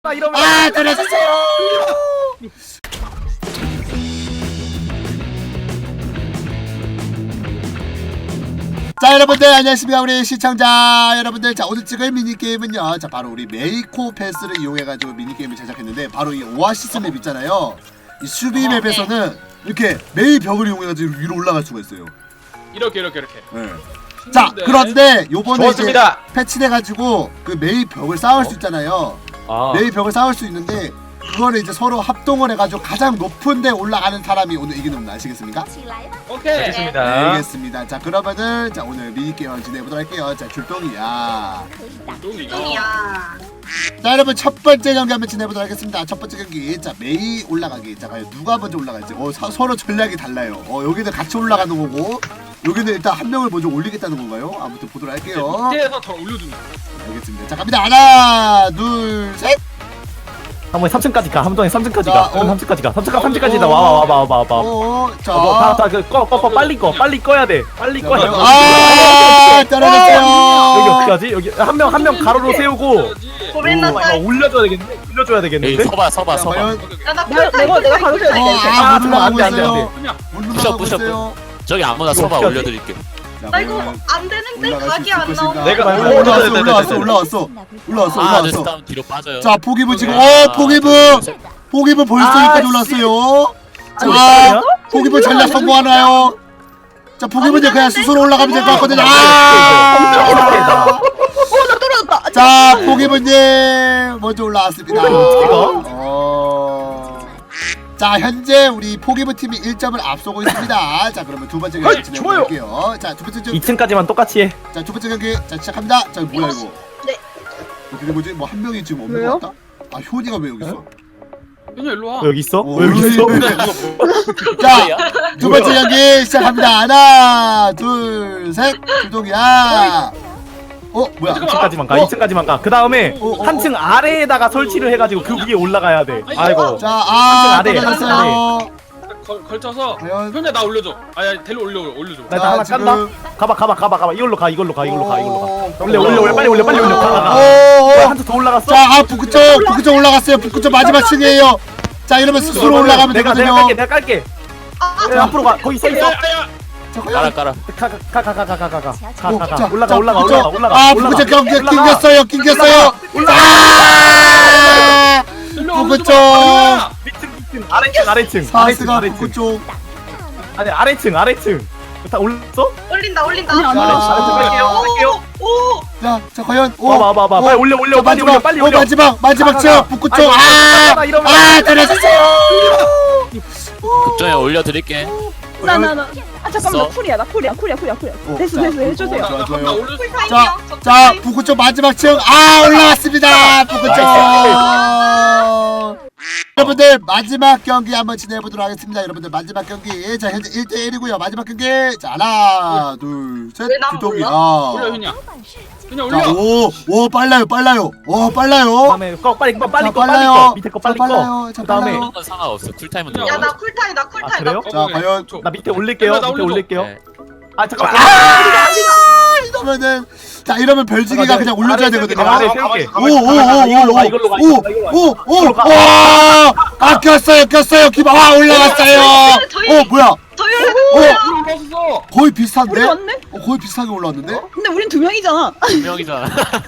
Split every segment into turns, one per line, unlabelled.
이러면
때려주세요. 자 여러분들 안녕하십니까 우리 시청자 여러분들. 자 오늘 찍을 미니게임은요, 자 바로 우리 메이코 패스를 이용해가지고 미니게임을 제작했는데, 바로 이 오아시스 맵 있잖아요. 이 수비 맵에서는 이렇게 메이 벽을 이용해가지고 위로 올라갈 수가 있어요.
이렇게.
네. 자 그런데 요번에 이제
좋습니다.
패치돼가지고 그 메이 벽을 쌓을 수 있잖아요. 메이 벽을 쌓을 수 있는데, 그거를 이제 서로 합동을 해가지고 가장 높은 데 올라가는 사람이 오늘 이기는 분 아시겠습니까?
오케이.
알겠습니다.
네, 알겠습니다. 자 그러면은 자 오늘 미니게임 진행해보도록 할게요. 자 줄동이야.
똥이야.
자 여러분 첫 번째 경기 한번 진행해보도록 하겠습니다. 첫 번째 경기, 자 메이 올라가기. 자 과연 누가 먼저 올라갈지. 서로 전략이 달라요. 여기는 같이 올라가는 거고, 여기는 일단 한 명을 먼저 올리겠다는 건가요? 아무튼 보도록 할게요.
밑에서 더 올려준다.
알겠습니다. 자 갑니다. 하나 둘 셋.
한 번에 3층까지 가. 한 번에 3층까지
자,
가. 3층까지 가. 3층까지 다 와봐.
자.
꺼. 빨리 꺼야 돼. 빨리 꺼야 돼.
떨어졌어요.
여기 어떻게 하지? 여기 한 명 가로로 세우고 올려줘야 되겠는데?
서봐.
과연
내가 가르쳐야 돼.
안 돼.
그냥
부셔. 저기 아무나 서봐 올려드릴게.
나 이거 안 되는데 각이 안 나오네.
내가
올라왔어.
다음 뒤로 빠져요.
자 포기부 지금 포기부 벌써 여기까지 올랐어요. 자 포기부 전략 성공하나요? 자 포기부 이제 그냥 스스로 올라가면 될 것 같거든요.
나 떨어졌다.
자 포기부님 먼저 올라왔습니다. 자 현재 우리 포기부 팀이 1점을 앞서고 있습니다. 자 그러면 두 번째 경기 진행할게요. 자 두 번째
2층까지만 똑같이 해.
자 두 번째 경기 자 시작합니다. 자 뭐야 이거?
네.
어떻게 뭐지? 뭐 한 명이 지금 없는
왜요?
것 같다? 아 효니가 왜 여기 있어?
그냥 일로 와.
여기 있어?
여기 있어? 자 두 번째 경기 시작합니다. 하나 둘 셋. 주동이야. 뭐야?
2층까지만 가. 2층까지만 가. 그 다음에 한 층 아래에다가 설치를 해가지고 그 위에 올라가야 돼. 아이고.
자
아래,
떨어졌어요.
걸쳐서.
과연?
현재 나 올려줘. 아야 델로 올려줘.
나
자,
하나
지금-
깐다. 가봐. 이걸로 가. 올려. 빨리 올려. 가.
오.
한층 더 올라갔어?
자 북구 쪽 올라갔어요. 북구 쪽 마지막 층이에요. 자 이러면 스스로 올라가면
내가
되거든요.
깔게. 앞으로 가. 거기 서 있어.
자 과연?
깔아.
가. 올라가.
아 북구 쪽 경기 낑겼어요. 북구 쪽
아래층.
사스가 북구 쪽.
아니 아래층. 다 올렸어?
올린다.
아래층 갈게요.
오.
자 과연?
봐봐. 빨리 올려.
자,
빨리 올려.
마지막 층 북구 쪽. 떨어졌어요.
극정에 올려드릴게.
나. 잠깐만
써?
나 쿨이야. 됐어 해주세요.
좋아요.
올려줘.
자 북구 쪽 마지막 층. 올라왔습니다. 북구 쪽. 여러분들 마지막 경기 한번 진행해보도록 하겠습니다. 여러분들 마지막 경기, 자 현재 1대1이고요 마지막 경기. 자 하나 둘셋.
왜 나만
올려
주동이야.
현이야. 그냥
자
올려.
오 빨라요.
그다음에 빨리
빨라요.
꺼. 밑에 거
자,
빨리 꺼.
빨라요. 자,
그다음에
빨라요.
그런 건 상관없어. 쿨타임은
야,
들어가.
나 쿨타임.
아, 그래요?
자, 과연?
나 밑에 올릴게요.
나
밑에
올려줘.
올릴게요.
네.
아 잠깐.
이러면은 자 이러면 별지기가 그냥 올려줘야 되거든요.
아래 세울게.
꼈어요. 기바 올라갔어요. 뭐야?
더 열려.
올라왔어.
거의 비슷한데?
우리 왔네?
거의 비슷하게 올라왔는데?
근데 우린 2명이잖아.
명이잖아.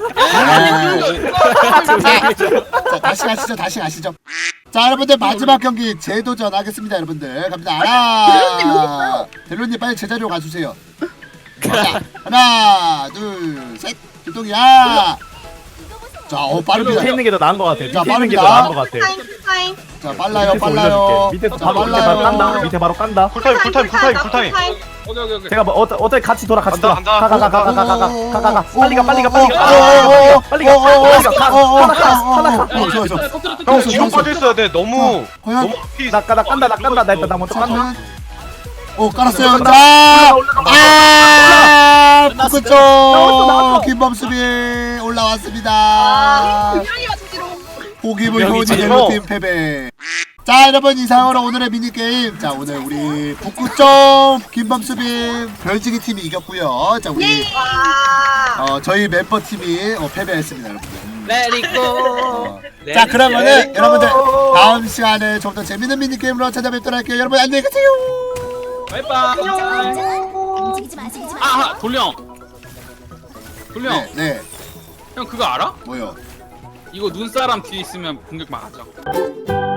자 다시 가시죠. 자 여러분들 마지막 경기 재도전 하겠습니다. 여러분들 갑니다. 하나 델로님 빨리 제자리로 가주세요. 자, 하나 둘셋. 주동이야. 자 빠릅니다.
밑에 있는 게 더 나은 것 같아. 밑에
자,
있는 게 더
빠릅니다.
나은 것 같아.
쿨타임.
자 빨라요.
밑에서
자,
바로 깐다. 밑에 바로 깐다.
쿨타임.
오케이.
제가 뭐 어차피 같이 돌아.
간다.
가. 빨리 가. 하나 가.
좋아.
지금 빠져 있어야 돼. 너무
과연?
앞이
나 깐다. 나 일단 나 먼저 깐다.
깔았어요. 북구 쪽
나왔어.
김범수비 올라왔습니다.
2명이 맞지로.
포기부 효니
명이지.
헬로팀 패배. 자 여러분 이상으로 오늘의 미니게임, 자 오늘 우리 북구 쪽 김범수비 별지기 팀이 이겼고요. 자 우리
와.
저희 멤버 팀이 패배했습니다 여러분들.
레디고.
자 그러면은 여러분들 다음 시간에 좀 더 재밌는 미니게임으로 찾아뵙도록 할게요. 여러분 안녕히 계세요.
바이바이.
움직이지 마.
아 돌령. 돌령.
네, 네.
형 그거 알아?
뭐요?
이거 눈사람 뒤에 있으면 공격 막 하죠.